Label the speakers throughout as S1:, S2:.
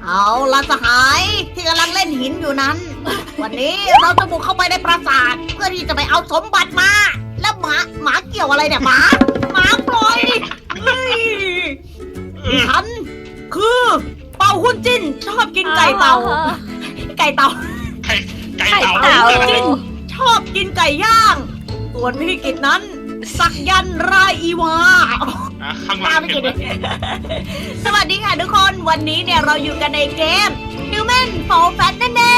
S1: เอาละสหายที่กำลังเล่นหินอยู่นั้น วันนี้เราจะบุกเข้าไปในปราสาทเพื่อที่จะไปเอาสมบัติมา แล้วหมาเกี่ยวอะไรเนี่ยหมาปล่อยเฮ้ยฉันคือเป่าหุ้นจิ้นชอบกินไก่เต่า ไก่เต่า
S2: ไก่เต่า
S1: หุ้นจิ้นชอบกินไก่ย่าง ส่วนพี่กิจนั้น สักยันต์รายอีวา
S2: ข้างล่างเห็นไหม
S1: สวัสดีค่ะทุกคนวันนี้เนี่ยเราอยู่กันในเกม Human Fall Flat นั่นเอง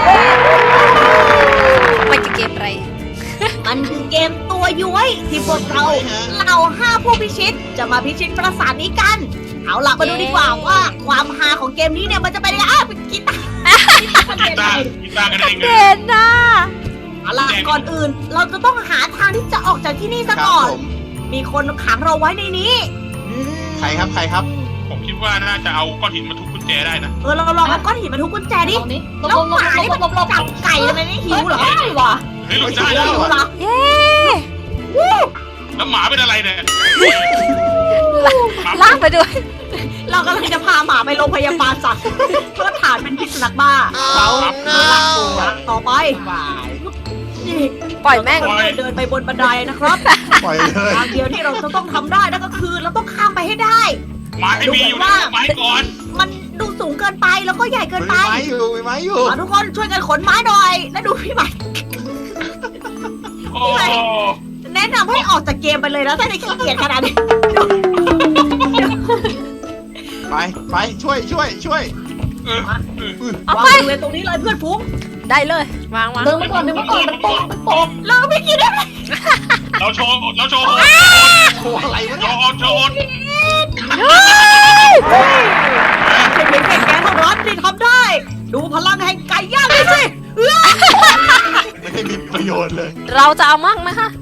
S3: มันจะเกมอะไร
S1: มันคือเกมตัวย้วยที่พวกเรา5ผู้พิชิตจะมาพิชิตปราสาทนี้กัน เอาล่ะมาดูดีกว่าว่าความฮาของเกมนี้เนี่ยมันจะเป็นยังไงเป็นกีตาร์
S2: กีตาร์กันเอง
S3: เด่นนะ
S1: เอาล่ะก่อนอื่นเราจะต้องหาทางที่จะออกจากที่นี่ซะก่อน มีคนขังเราไว้ในนี้
S4: ใครครับ
S2: ผมคิดว่าน่าจะเอาก้อนหินมาทุบกุญแจได้นะ
S1: เราลองเอาก้อนหินมาทุบกุญแจดิ แล้วหมานี่มันจับไก่ทำไมไม่หิวเหรอวะ
S2: เฮ้ยหลุดได้แล้ว
S1: หิวเหรอ
S3: เย้
S2: แล้วหมาเป็นอะไรเนี่ย
S3: ลากไปด้วย
S1: เรากำลังจะพาหมาไปโรงพยาบาลสัตว์เพื่อฐานเป็นพิษสุนัขบ้าต่อไปนี่
S3: ปล่อยแม่ง
S1: เดินไปบนบันไดนะครับ
S4: ปล่อยเลย
S1: ทางเดียวที่เราจะต้องทำได้นั่นก็คือเราต้องข้ามไปให้ได้
S2: หมาไม่มีอยู่นะไม้ก่อน
S1: มันดูสูงเกินไปแล้วก็ใหญ่เกินไป
S4: มีไม้อยู่
S1: ทุกคนช่วยกันขนไม้หน่อย แล้วดูพี่ใหม่
S2: โอ้
S1: แนะนำให้ออกจากเกมไปเลยนะถ้าจะขี้เกียจขนาดนี้
S4: ไปช่วย
S3: เอา
S1: วาง
S3: ไป
S1: บริเวณตรงนี้เลยเพื่อนฟุ้ง
S3: ได้เลย วาง
S1: เดินไปก่อนมันตกแล้วไม่กินได้ไหม
S2: เราโชว์
S4: โอ้อะไรวะ
S2: โช
S4: เนี่ย
S1: เป็นเพียงแค่แกเท่านั้นที่ทำได้ ดูพลังแห่งไก่ย่างเลยสิ
S4: ไม่ได้มีประโยชน์เลย
S3: เราจะเอามั่งไหมคะ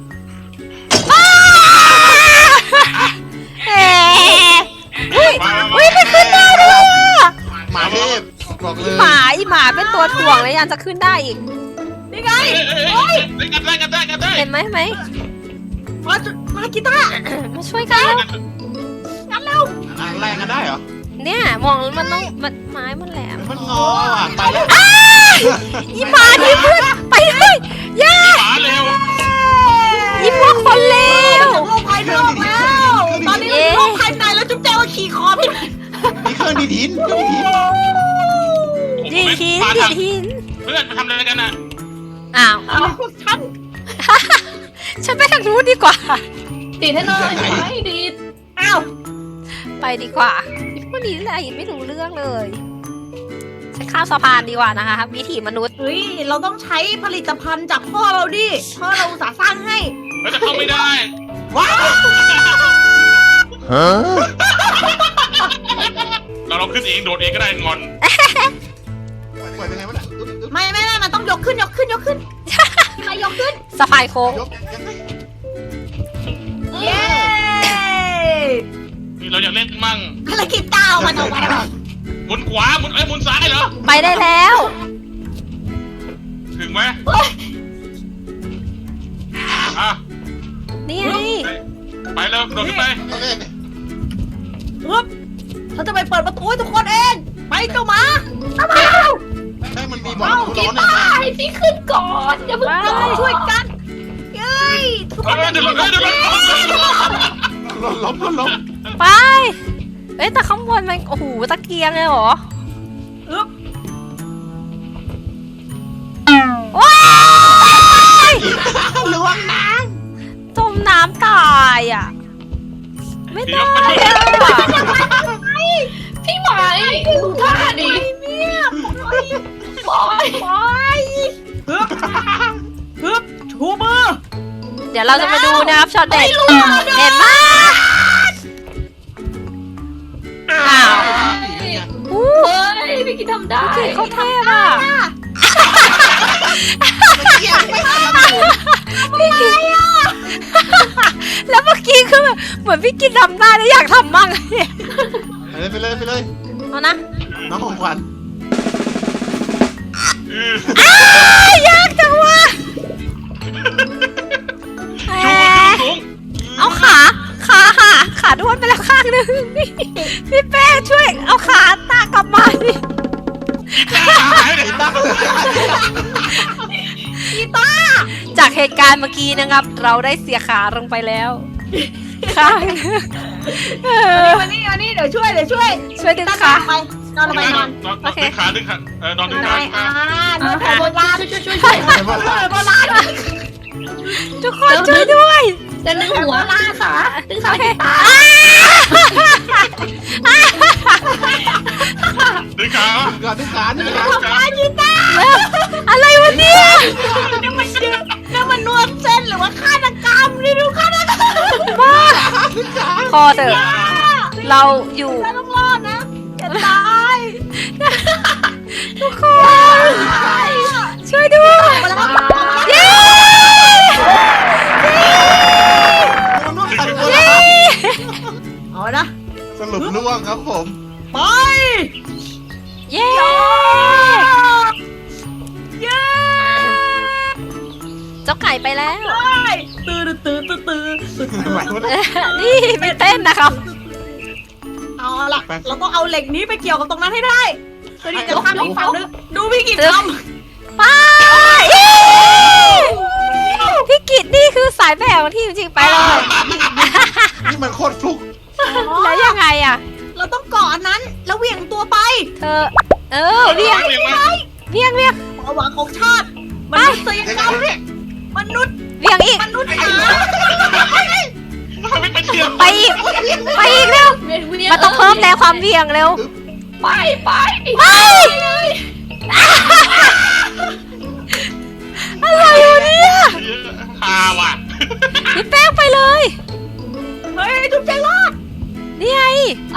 S3: เอ๊ะอุ้ยมันขึ้นได้ด้วยอะ
S4: หมาเทพบอกเลย
S3: หมาเป็นตัวถ่วงเลยยังจะขึ้นได้อีก
S1: นี่ไง
S2: กันได้
S3: เห็นไหม
S1: มากีตาร์
S3: มาช่วยกัน
S1: งั้นเร็ว
S4: แรงกันได้เหรอ
S3: เนี่ยมองมันต้องไม้มันแหลม
S4: มันงออ่ะไปแล้ว
S3: อีหมาที่เพื่อนไปเลยย่า
S2: หมาเร็ว
S3: อีพวกคนเลว
S1: จากโลกภายนอกแล้ว ตอนนี้เราอยู่โลกภายในแล้วจุ๊บแจวขี่คอพี่
S4: มีเครื่องดีดหิน
S3: ดีหิน
S2: เพื่อนมาทำอะไรกันน่ะ
S3: อ้าว
S1: เอาพวกฉัน
S3: ฉันไปทางนู้นดีกว่า
S5: ดีดให้หน่อยไม่ดีด
S1: อ้าว
S3: ไปดีกว่าพวกนี้อะไรไม่รู้เรื่องเลยฉันข้ามสะพานดีกว่านะคะวิถีมนุษย์
S1: เฮ้ยเราต้องใช้ผลิตภัณฑ์จากพ่อเราดิพ่อเราอุตส่าห์สร้างให้
S2: แล้วจะเข้าไม่ได้
S1: ว้าว
S2: เราลองขึ้นเองโดดเองก็ได้งอน
S4: ปล่อยยังไงวะเนี่ย
S1: ไม่มันต้องยกขึ้นมายกขึ้น
S3: สะพานโค้ง
S4: ยกยังไง
S1: เย้
S2: นี่เราอยากเล่นมั่ง
S1: ภารกิจดาวมันออกมาแล้ว
S2: หมุนขวาหมุนซ้ายเหรอ
S3: ไปได้แล้ว
S2: ถึงไหมอ่ะ
S3: นี่ไง
S2: ไปเลยโดดขึ้นไป
S4: โอเค
S1: ปึ๊บเราจะไปเปิดประตูให้ทุกคนเอง ไปเจ้าหมาตามมา
S4: ได้มันมีบอล
S5: กี
S4: ร้อน
S5: ตาร์ให้พี่ขึ้นก่อนอย่าเพิ่ง
S1: เราต้องช่วยกันเย้ยทุกคน
S2: เดี๋ยว
S4: ล้ม
S3: ไปเอ้ยแต่ข้างบนมันโอ้โหตะเกียงเลยเหรอ
S1: อึ๊บ
S3: ว้าย
S1: ล้วงน้
S3: จมน้ำตายอ่ะ ไม่ได้อะ
S5: พี่หมายดูท่าดิ
S1: ำเนี่ยป
S5: บอย
S1: ล่อยฮึบชูมือ
S3: เดี๋ยวเราจะมาดูนะครับช็อตเด็ดเห็นไหมอ้าวอู้
S5: เฮ้ยพี่กินทำได้
S3: เขาเทพอ่ะพี่กินแล้วเมื่อกี้คือแบบเหมือนพี่กินทำได้แล้วอยากทำมั่งเนี่ย
S4: ไปเลย
S3: เอานะ
S4: น้องของขวัญ
S3: ยากจังวะ
S2: ชูมือสูง
S3: เอาขาด้วนไปแล้วข้างนึงพี่แป้ช่วยเอาขาตากลับมาดิ
S4: กีตาร์
S1: กีตาร์
S3: จากเหตุการณ์เมื่อกี้นะครับ เราได้เสียขาลงไปแล้วค่ะ
S1: มานี่เดี๋ยวช่วย
S3: ช่วยดึง
S1: ตั้ง
S3: ขา
S1: ไปนอนลงไปนอน
S2: ดึงขาดึงขานอนดึงขา
S1: นอนแผนโบราณ
S5: ช่วย
S1: โบราณ
S3: ทุกคนช่วยด้วย
S5: จะดึงหัวดึงขากีตาร์
S2: ดึงขา
S4: ก่อนที่ขานี่ขา
S1: กีตาร์
S3: อะไรวะเนี่ย
S1: นี่มันนวดเส้นหรือว่าฆาตกรรมนี่ดูฆาตกรรม
S3: พอเถอะเราอยู่
S1: ฉันต้องรอดนะจะตาย
S3: ทุกคนช่วยด้วย
S1: มาแล้ว
S3: เย้
S1: เอานะ
S4: สรุปล่วงครับผม
S1: ไป
S3: เย้
S1: เย้
S3: เจ้าไก่ไปแล้ว
S1: ตื่น
S4: ไหวไหม
S3: นี่ไม่เต้นนะครับ
S1: เอาล่ะเราต้องเอาเหล็กนี้ไปเกี่ยวกับตรงนั้นให้ได้เพื่อที่จะข้ามอีกฝั่งนึงดูพี่กิจทำ
S3: ไปพี่กิตนี่คือสายแบบที่จริงๆไปเลย
S4: นี่มันโคตรฟลุก
S3: แล้วยังไงอ่ะ
S1: เราต้องเกาะอันนั้นแล้วเหวี่ยงตัวไป
S3: เธอเวียง
S2: เวียงมา
S3: เวียง
S1: ความหวังของชาติมนุษยกรรมมนุษย์
S3: เวียงอีก
S1: มนุษย์หา
S2: ไม่เป็นเทียม
S3: ไปอีกเร็วมันต้องเพิ่มแรงความเวียงเร็ว
S5: ไป
S3: อะไรอยู่เนี่ย
S2: ฮาว่ะ
S3: พี่แป้งไปเลย
S1: เฮ้ยทุกใจรอด
S3: นี่ไง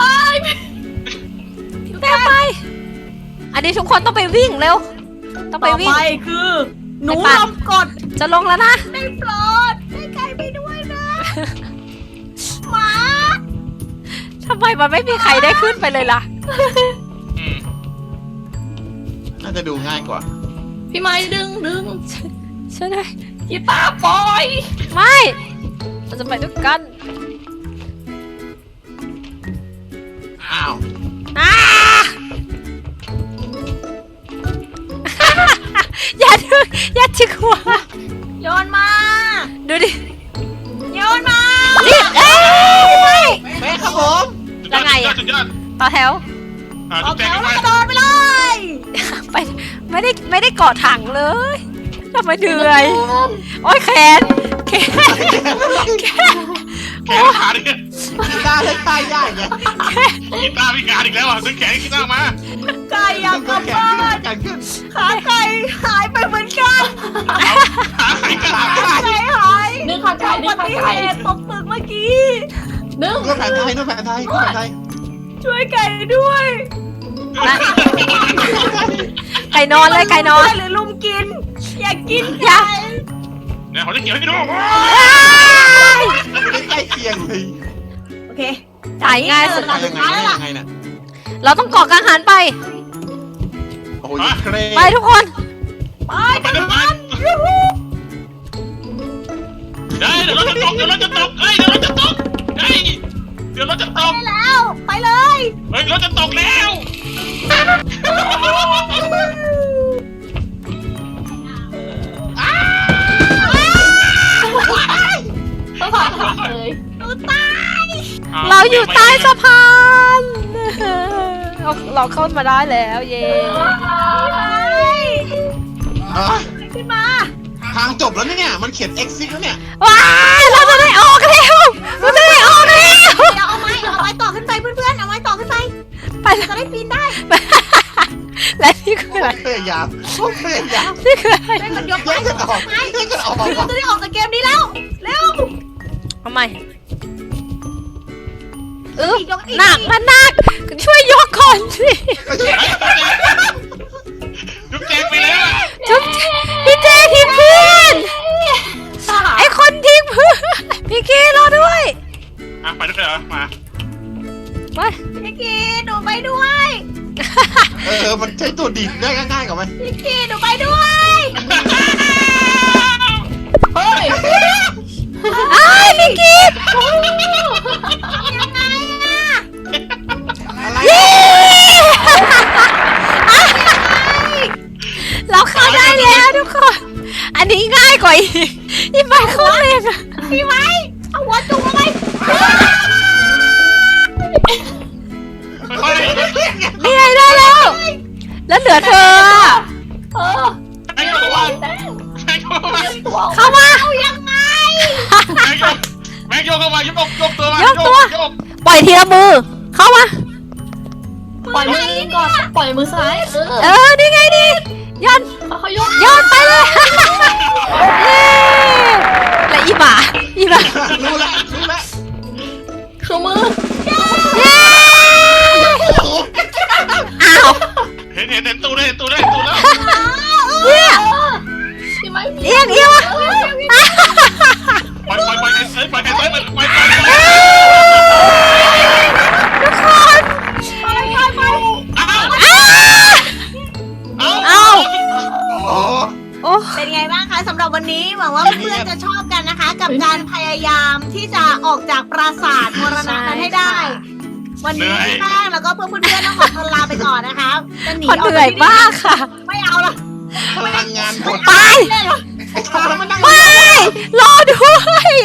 S3: พี่แป้งไป อันนี้ทุกคนต้องไปวิ่งเร็ว ต้องไป
S1: ต่อ
S3: วิ่ง
S1: ไปคือหนู
S3: ไปปั่น
S1: ลมกด
S3: จะลงแล้วนะ
S1: ได้โปรดได้ไก่ไปด้วยนะหมา
S3: ทำไมมันไม่มีใครได้ขึ้นไปเลยล่ะ
S4: น่าจะดูง่ายกว่า
S5: พี่ไม้ดึง
S3: ช่วยหน่อย
S5: กีตาร์ปล่อย
S3: ไม่เราจะไปด้วยกัน
S4: อ้าว
S3: อ่า อย่าถึงหัว
S1: โยนมา
S3: ดูดิ
S1: โยนมา
S3: รีบเอ้ย
S4: แม่ครับผม
S2: สุดยอด
S3: ต่อแถว
S1: ออก
S2: จุดแจ
S1: แถ
S2: ง
S1: ว
S2: ไป
S1: แล้วกระโดดไปเลย
S3: ไปไม่ได้เกาะถังเลยทำไมเหนื่อย โอ้ยแขน
S2: แขนขาดิ
S4: กีตาร์ให้ค่ายยากไง
S2: กีตาร์พิการอีกแล้วอ่ะดึงแขนกีตาร์มา
S1: ไก่อยากกลับ
S4: แข
S1: บ้าน
S4: นขึ้น
S1: ขาไก่หายไปเหมือนกัน
S2: ขาไขกัน
S1: ไก่หาย
S5: ดึงขาไก่
S1: อุ
S5: ดึ
S1: บั
S5: งขา
S1: ติ
S5: ไก่
S1: เหตุตกตึกเมื่อกี้
S5: ดึง
S4: นวดแผนไทยนวดแผนไทยนวดแผนไทย
S1: ช่วยไก่ด้วย
S3: ไก่นอนเลยไก่นอน
S1: ช่วยหรือลุมกิน อยากกิน
S3: อย่า
S1: ไก่
S2: เนี่ยเขาจะเขียวให้ดู
S4: ใกล้เคียงเลย
S1: โอเค
S3: จ่ายง่ายสุด
S4: ยังไงยังไงน่ะ
S3: เราต้องเกาะกลางหันไป
S4: โอ้ยเคร
S3: ไปทุกคน
S1: ไป
S2: ไปด้วยกันได้เดี๋ยวเราจะตกเดี๋ยวเราจะตกเฮ้ยเดี๋ยวเราจะตกเฮ้ยเดี๋ยวเราจะตก
S1: ได้แล้ว ไปเลย
S2: เฮ้ยเราจะตกแล้ว
S5: ต้องผ่านทางเลย
S1: หนูตาย
S3: เราอยู่ใต้สะพานเราเข้ามาได้แล้วเย้
S1: ขึ้นมา
S4: ทางจบแล้วเนี่ยมันเขียน exit แล้วเนี่ย
S3: ว้ายเราจะได้ออกแล้วเราจะได้ออกแล้ว
S1: เดี๋ยวเอาไม้ต่อขึ้นไปเพื่อนๆ เอาไม้ต่อขึ้นไป
S3: ไป
S1: จะได้ปีนได้
S3: และนี่คืออะไร
S4: พยายามพยายาม
S3: นี่คืออะไร
S1: ได้มันยก
S4: แยกกันออกแยกกันออก
S1: เราจะได้ออกจากเกมนี้แล้ว เร็ว
S3: เอาใหม่
S1: อีก
S3: หนักมันหนักช่วยยกก่อนสิ
S2: จุ๊บแจงไปแล้ว
S3: จุ๊บพี่เจทิ้งเพื่อนไอคนทิ้งเพื่อนพี่กีรอด้วย
S2: ไปด้วยกันเหรอมา
S3: ไป
S1: พี่กีหนูไปด้วย
S4: มันใช้ตัวดีดได้ง่ายๆกว่าไหม
S1: พี่กีหนูไปด้วย
S5: เฮ้ย
S3: ไอ้พี่กี
S1: ยังไงอะ
S4: อะไร
S3: เย้กว่าอีไม้โคตรแรงอะ
S1: พี่ไม้เอาหัวจุกลงไป
S2: ค่อย
S3: นี่ไงได้แล้ว แล้วเหลือเธออะ
S5: เออ
S2: ๆให้เข้ามาให้เข้ามา
S5: ตัว
S3: เข้ามา
S1: เอายังไง
S2: แม็กโยกเข้ามายกตัวมาย
S3: กตัว ปล่อยทีละมือ เข้ามา
S5: ปล่อยมือก่อนปล่อยมือซ้ายเออ
S3: นี่ไงนี่ย้อน
S5: เขายก
S3: ย้อนไปเลย เย้และอีหมา
S4: รู้แล้ว
S5: ชูมือ
S3: เย้อ้าว
S2: เห็นตัวได้แล้ว
S3: เนี่ย
S5: พี่ไม้
S3: เอียงวะ
S2: ปล่อยใครซ้ายปล่อย
S3: ทุกคน
S2: เอา
S4: โอ้
S3: โอ้
S1: เป็นไงบ้างคะสำหรับวันนี้หวังว่าเพื่อนๆจะชอบกันนะคะ กับการพยายามที่จะออกจากปราสาทมรณะนั้นให้ได้ วันนี้พี่แป้งแล้วก็เพื่อนๆต้องขอตัวลาไปก่อนนะคะจะหนี
S3: คน
S1: ออก
S3: เหนื่อย
S1: จากที่
S3: มากค่ะ
S1: ไม่เอาละ
S4: พลังงานหมด
S3: ไป
S1: เลยเหรอ
S4: ไอ้ทำแล้วมันนั่ง
S3: ไม่ รอด้วย